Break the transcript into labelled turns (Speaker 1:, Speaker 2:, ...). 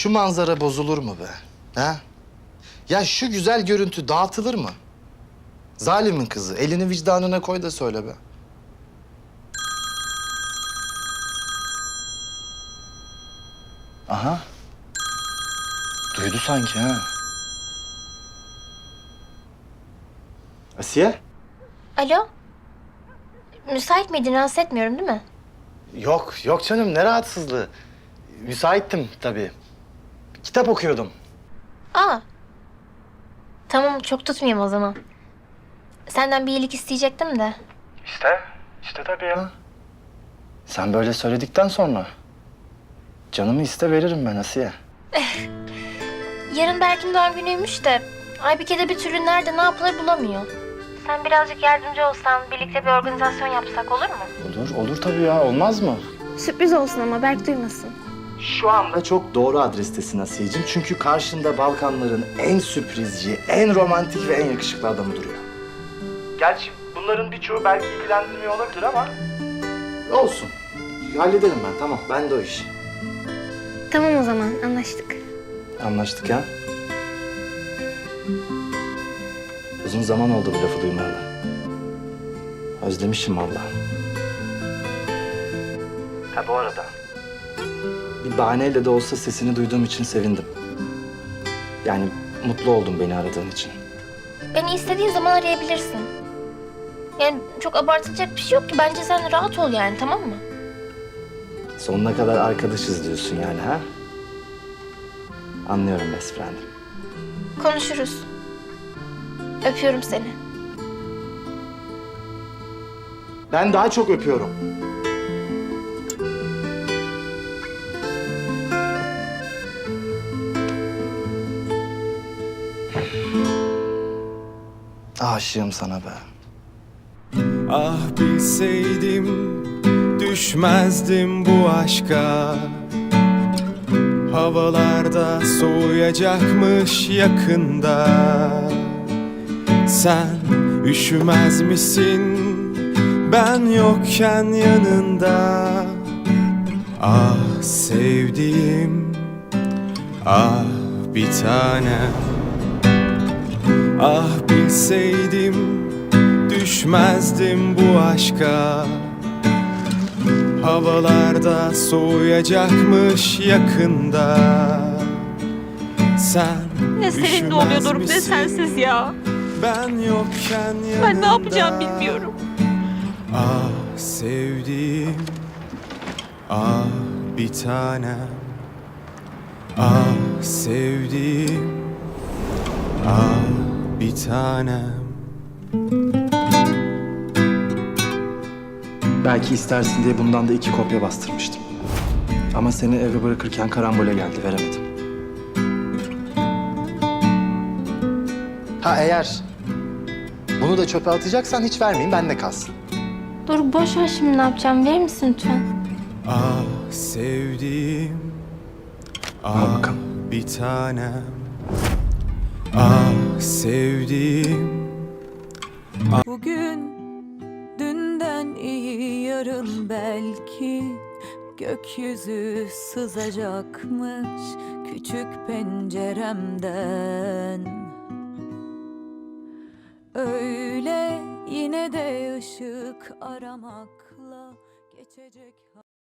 Speaker 1: şu manzara bozulur mu be? Ha? Ya şu güzel görüntü dağıtılır mı? Zalimin kızı, elini vicdanına koy da söyle be. Aha. Duydu sanki ha. Asiye?
Speaker 2: Alo? Müsait miydin? Rahatsız etmiyorum değil mi?
Speaker 1: Yok, yok canım. Ne rahatsızlığı. Müsaittim tabii. Kitap okuyordum.
Speaker 2: Aa. Tamam, çok tutmayayım o zaman. Senden bir iyilik isteyecektim de.
Speaker 1: İşte tabii ya. Sen böyle söyledikten sonra canımı iste veririm ben Asiye.
Speaker 2: Yarın Berk'in doğum günüymüş de Aybike de bir türlü nerede ne yapılır bulamıyor. Sen birazcık yardımcı olsan, birlikte bir organizasyon yapsak olur mu?
Speaker 1: Olur tabii ya. Olmaz mı?
Speaker 2: Sürpriz olsun ama Berk duymasın.
Speaker 1: Şu anda çok doğru adrestesin Asiye'cim. Çünkü karşında Balkanların en sürprizci, en romantik ve en yakışıklı adamı duruyor. Gerçi bunların birçoğu belki ilgilendirmiyor olabilir ama... Olsun. Hallederim ben, tamam. Ben de o iş.
Speaker 2: Tamam o zaman, anlaştık.
Speaker 1: Anlaştık ya. Uzun zaman oldu bu lafı duymayalı. Özlemişim vallahi. Ha bu arada. Bir bahaneyle de olsa sesini duyduğum için sevindim. Yani mutlu oldum beni aradığın için.
Speaker 2: Beni istediğin zaman arayabilirsin. Yani çok abartılacak bir şey yok ki. Bence sen rahat ol yani, tamam mı?
Speaker 1: Sonuna kadar arkadaşız diyorsun yani ha? Anlıyorum best friend'im.
Speaker 2: Konuşuruz. Öpüyorum seni.
Speaker 1: Ben daha çok öpüyorum. Aşığım sana be.
Speaker 3: Ah bilseydim düşmezdim bu aşka. Havalarda soğuyacakmış yakında. Sen üşümez misin ben yokken yanında? Ah sevdiğim, ah bir tanem. Ah bilseydim düşmezdim bu aşka. Havalarda soğuyacakmış yakında. Sen
Speaker 4: Ne seninle oluyordur ne sensiz ya.
Speaker 3: Ben yokken yanında.
Speaker 4: Ben ne yapacağım bilmiyorum.
Speaker 3: Ah sevdiğim, ah bir tanem. Ah sevdiğim, ah bir tanem.
Speaker 1: Belki istersin diye bundan da 2 kopya bastırmıştım. Ama seni eve bırakırken karambole geldi, veremedim. Ha eğer bunu da çöpe atacaksan hiç vermeyeyim, bende kalsın.
Speaker 2: Dur boş ver şimdi, ne yapacağım? Verir misin lütfen?
Speaker 3: Ah sevdiğim,
Speaker 1: Al
Speaker 3: ah
Speaker 1: bakalım.
Speaker 3: bir tanem. Ah sevdiğim.
Speaker 4: Bugün dünden iyi, yarın belki gökyüzü sızacakmış küçük penceremden. Öyle yine de ışık aramakla geçecek.